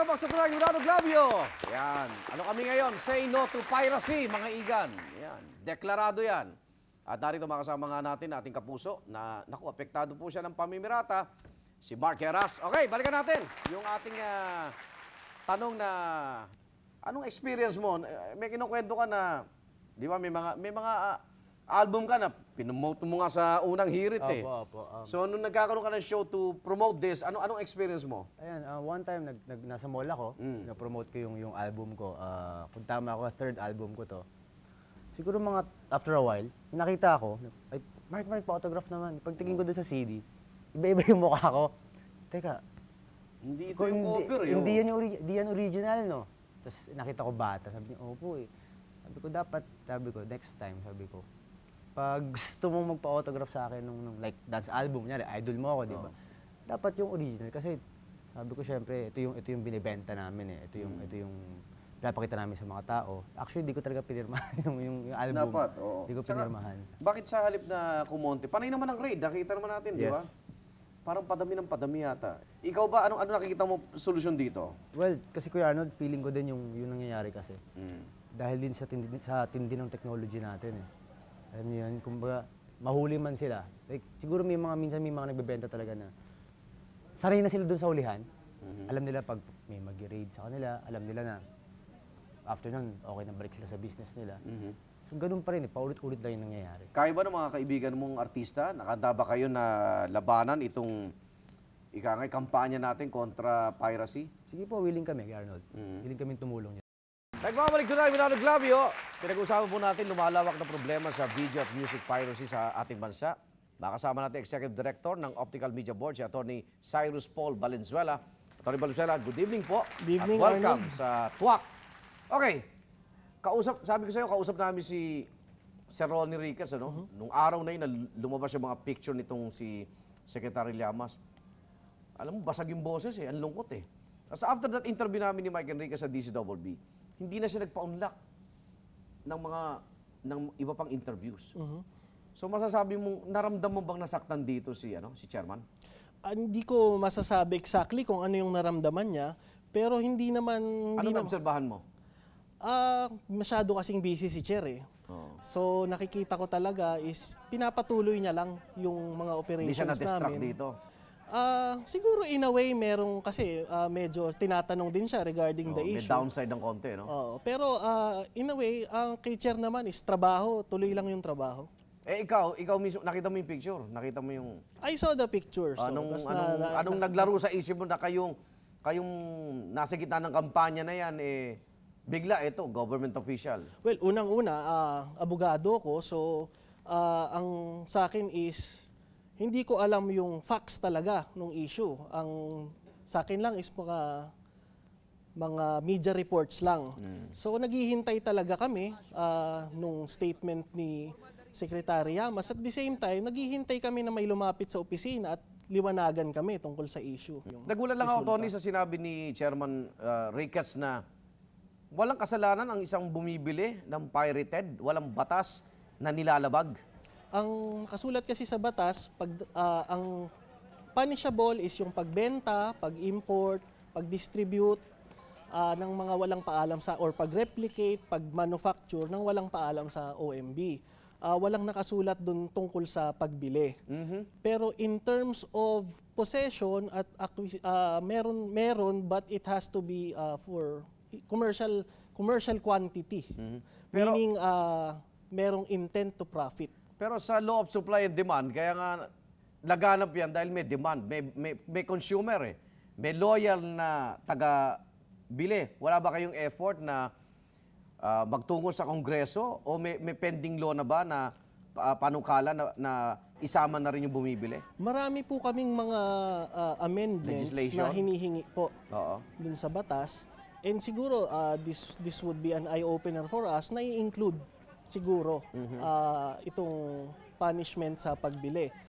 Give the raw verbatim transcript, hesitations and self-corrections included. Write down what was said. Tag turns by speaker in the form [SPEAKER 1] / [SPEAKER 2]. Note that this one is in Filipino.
[SPEAKER 1] Tabak sa tunay, Yunano Glavio. Yan. Ano kami ngayon? Say no to piracy, mga igan. Yan. Deklarado yan. At narito makasama nga natin, ating kapuso, na, naku, apektado po siya ng pamimirata, si Mark Heras. Okay, balikan natin yung ating uh, tanong na, anong experience mo? May kinukwento ka na, di ba, may mga, may mga uh, album ka na, pinomote mo nga sa unang hirit eh.
[SPEAKER 2] Opo, opo. Um,
[SPEAKER 1] so, nung nagkakaroon ka ng show to promote this, ano anong experience mo?
[SPEAKER 2] Ayan, uh, one time, nag, nag, nasa mall ako,
[SPEAKER 1] Mm.
[SPEAKER 2] na-promote ko yung, yung album ko. Uh, kung tama ako, third album ko to. Siguro mga after a while, nakita ako, ay, Mark, Mark, pa-autograph naman. Pagtingin ko doon sa C D, iba-iba yung mukha ko. Teka,
[SPEAKER 1] Hindi ito
[SPEAKER 2] kung
[SPEAKER 1] yung
[SPEAKER 2] hindi,
[SPEAKER 1] cover,
[SPEAKER 2] hindi, yan yung, ori- hindi yan original, no? Tapos nakita ko bata, sabi niya, opo eh. Sabi ko, dapat, sabi ko, next time, sabi ko, pag gusto mong magpa-autograph sa akin nung, nung like dance album, nyari, idol mo ako, di ba?
[SPEAKER 1] Oh.
[SPEAKER 2] Dapat yung original kasi sabi ko syempre, ito yung ito yung binibenta namin eh. Ito yung mm. ito yung pinapakita namin sa mga tao. Actually, di ko talaga pinirmahan yung, yung, yung album.
[SPEAKER 1] Dapat, oo.
[SPEAKER 2] Di ko
[SPEAKER 1] Tsaka,
[SPEAKER 2] pinirmahan.
[SPEAKER 1] Bakit sa halip na kumonte? Panay naman ang grade, nakita naman natin, di
[SPEAKER 2] Yes.
[SPEAKER 1] ba? Parang padami ng padami yata. Ikaw ba, anong ano nakikita mo solusyon dito?
[SPEAKER 2] Well, kasi Kuya Arnold, feeling ko din yung yung nangyayari kasi.
[SPEAKER 1] Mm.
[SPEAKER 2] Dahil din sa tindi, sa tindi ng technology natin eh. Alam niyo yun, kumbaga, mahuli man sila. Like, siguro may mga, minsan may mga nagbebenta talaga na sanay na sila doon sa hulihan.
[SPEAKER 1] Mm-hmm.
[SPEAKER 2] Alam nila pag may mag-raid sa kanila, alam nila na after nun, okay na balik sila sa business nila.
[SPEAKER 1] Mm-hmm.
[SPEAKER 2] So, ganun pa rin eh, paulit-ulit lang yung nangyayari.
[SPEAKER 1] Kaya ba ng mga kaibigan mong artista, nakanda ba kayo na labanan itong ika nga'y kampanya natin kontra piracy?
[SPEAKER 2] Sige po, willing kami, Arnold.
[SPEAKER 1] Mm.
[SPEAKER 2] Willing kami tumulong niya.
[SPEAKER 1] Nagbabalik doon na, Yunano Glavio. Pinag-uusapan po natin lumalawak na problema sa video at music piracy sa ating bansa. Makasama natin Executive Director ng Optical Media Board, si Attorney Cyrus Paul Valenzuela. Attorney Valenzuela, good evening po.
[SPEAKER 3] Good evening,
[SPEAKER 1] at welcome
[SPEAKER 3] Arnold.
[SPEAKER 1] sa T W A C. Okay, kausap, sabi ko sa iyo, kausap namin si Sir Ronnie Riquez, ano? Uh-huh. Nung araw na yun, na lumabas yung mga picture nitong si Secretary Llamas. Alam mo, basag yung boses eh, ang lungkot eh. As after that interview namin ni Mike Enriquez sa D C B B, hindi na siya nagpa-unlock ng mga ng iba pang interviews.
[SPEAKER 3] Uh-huh.
[SPEAKER 1] So masasabi mo, naramdam mo bang nasaktan dito si ano, si chairman?
[SPEAKER 3] Uh, hindi ko masasabi exactly kung ano yung naramdaman niya, pero hindi naman...
[SPEAKER 1] Ano
[SPEAKER 3] hindi
[SPEAKER 1] na
[SPEAKER 3] naman-
[SPEAKER 1] obserbahan mo?
[SPEAKER 3] Ah, masyado kasing busy si Chair eh.
[SPEAKER 1] Oh.
[SPEAKER 3] So nakikita ko talaga is pinapatuloy niya lang yung mga
[SPEAKER 1] Hindi
[SPEAKER 3] operations
[SPEAKER 1] siya na-distract
[SPEAKER 3] namin.
[SPEAKER 1] dito.
[SPEAKER 3] Ah, siguro in a way merong kasi ah, medyo tinatanong din siya regarding
[SPEAKER 1] Oh,
[SPEAKER 3] the
[SPEAKER 1] may
[SPEAKER 3] issue.
[SPEAKER 1] downside ng konti, no?
[SPEAKER 3] Oo, pero ah, in a way, ang kay Chair naman is trabaho, tuloy lang yung trabaho.
[SPEAKER 1] Eh ikaw, ikaw mismo, nakita mo yung picture? Nakita mo yung...
[SPEAKER 3] I saw the pictures. so,
[SPEAKER 1] anong,
[SPEAKER 3] tas
[SPEAKER 1] anong,
[SPEAKER 3] na- na-
[SPEAKER 1] anong naglaro sa isip mo na kayong, kayong nasa gitna ng kampanya na yan, eh, bigla, ito, government official.
[SPEAKER 3] Well, unang-una, ah, abogado ko, so ah, ang sa akin is hindi ko alam yung facts talaga ng issue. Ang sa akin lang is mga mga media reports lang. So naghihintay talaga kami ah, nung statement ni Secretary Llamas. At the same time, naghihintay kami na may lumapit sa opisina at liwanagan kami tungkol sa issue. Yung
[SPEAKER 1] Nagulat lang ako,
[SPEAKER 3] resulta.
[SPEAKER 1] Tony, sa sinabi ni Chairman uh, Ricketts na walang kasalanan ang isang bumibili ng pirated, walang batas na nilalabag.
[SPEAKER 3] Ang nakasulat kasi sa batas, pag, ah, ang punishable is yung pagbenta, pag-import, pag-distribute ah, ng mga walang paalam sa, or pag-replicate, pag-manufacture ng walang paalam sa O M B. Ah, walang nakasulat dun tungkol sa pagbili. Pero in terms of possession at acquisi- ah, meron meron but it has to be ah, for commercial commercial quantity.
[SPEAKER 1] Pero-
[SPEAKER 3] Meaning ah, merong intent to profit.
[SPEAKER 1] Pero sa law of supply and demand, kaya nga laganap yan dahil may demand, may, may, may consumer eh. May loyal na taga-bili. Wala ba kayong effort na ah, magtungo sa Kongreso o may, may pending law na ba na ah, panukala na, na isama na rin yung bumibili?
[SPEAKER 3] Marami po kaming mga ah, amendments
[SPEAKER 1] Legislation?
[SPEAKER 3] na hinihingi po
[SPEAKER 1] Oo.
[SPEAKER 3] dun sa batas. And siguro ah, this this would be an eye-opener for us na i-include siguro ah, itong punishment sa pagbili.